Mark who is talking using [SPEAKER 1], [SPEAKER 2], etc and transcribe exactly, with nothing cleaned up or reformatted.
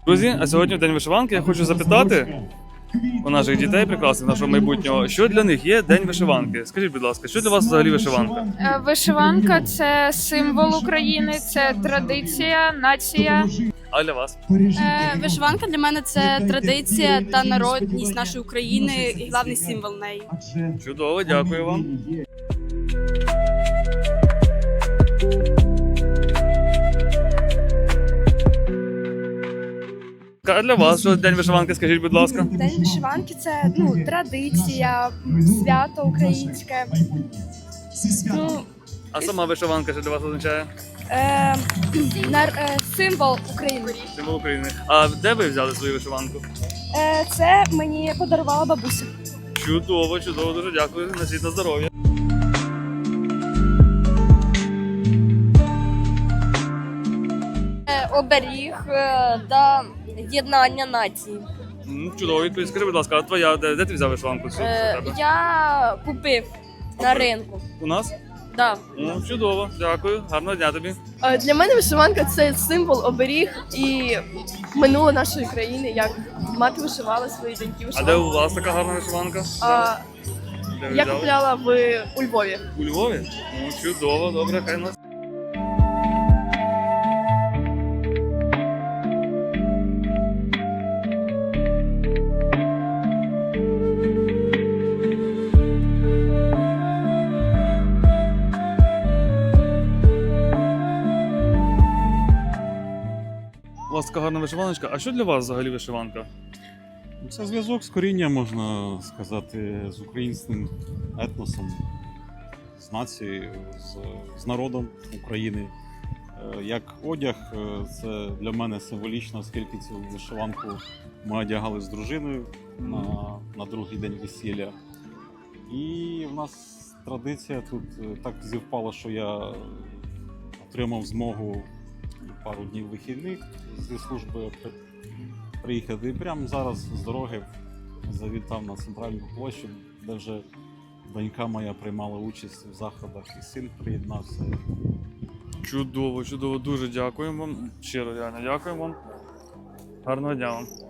[SPEAKER 1] Друзі, а сьогодні в День вишиванки я хочу запитати у наших дітей прекрасних, нашого майбутнього, що для них є День вишиванки. Скажіть, будь ласка, що для вас взагалі вишиванка?
[SPEAKER 2] Е, Вишиванка – це символ України, це традиція, нація.
[SPEAKER 1] А для вас?
[SPEAKER 3] Е, Вишиванка для мене це традиція та народність нашої України і головний символ неї.
[SPEAKER 1] Чудово, дякую вам. А для вас що День вишиванки, скажіть, будь ласка?
[SPEAKER 4] День вишиванки це ну, традиція, свято українське. Ну,
[SPEAKER 1] А сама вишиванка що для вас означає?
[SPEAKER 4] е, нар- е, символ України.
[SPEAKER 1] Символ України. А де ви взяли свою вишиванку?
[SPEAKER 4] Е, це мені подарувала бабуся.
[SPEAKER 1] Чудово, чудово, дуже дякую. Носіть на здоров'я.
[SPEAKER 5] Оберіг та єднання нації.
[SPEAKER 1] М, Чудово, відповідь. Скажи, будь ласка, а твоя, де, де ти взяв вишиванку? Що
[SPEAKER 5] Е,
[SPEAKER 1] у тебе?
[SPEAKER 5] Я купив на ринку.
[SPEAKER 1] У нас?
[SPEAKER 5] Да.
[SPEAKER 1] Ну, чудово, дякую. Гарного дня тобі.
[SPEAKER 6] Для мене вишиванка це символ, оберіг і минуле нашої країни, як мати вишивала свої доньки
[SPEAKER 1] А де
[SPEAKER 6] вишивали.
[SPEAKER 1] у вас така гарна вишиванка?
[SPEAKER 6] А,
[SPEAKER 1] Де ви
[SPEAKER 6] я
[SPEAKER 1] взяли?
[SPEAKER 6] купляла в у Львові.
[SPEAKER 1] У Львові? Ну, чудово, добре, хай нас. У вас така гарна вишиваночка. А що для вас взагалі вишиванка?
[SPEAKER 7] Це зв'язок з корінням, можна сказати, з українським етносом, з нацією, з, з народом України. Е, Як одяг, е, це для мене символічно, оскільки цю вишиванку ми одягали з дружиною на, на другий день весілля. І в нас традиція тут е, так зівпало, що я отримав змогу пару днів вихідних зі служби при- приїхати. І прямо зараз з дороги завітав на центральну площу, де вже донька моя приймала участь в заходах, і син приєднався.
[SPEAKER 1] Чудово, чудово, дуже дякуємо вам. Щиро реально дякуємо вам. Гарного дня вам.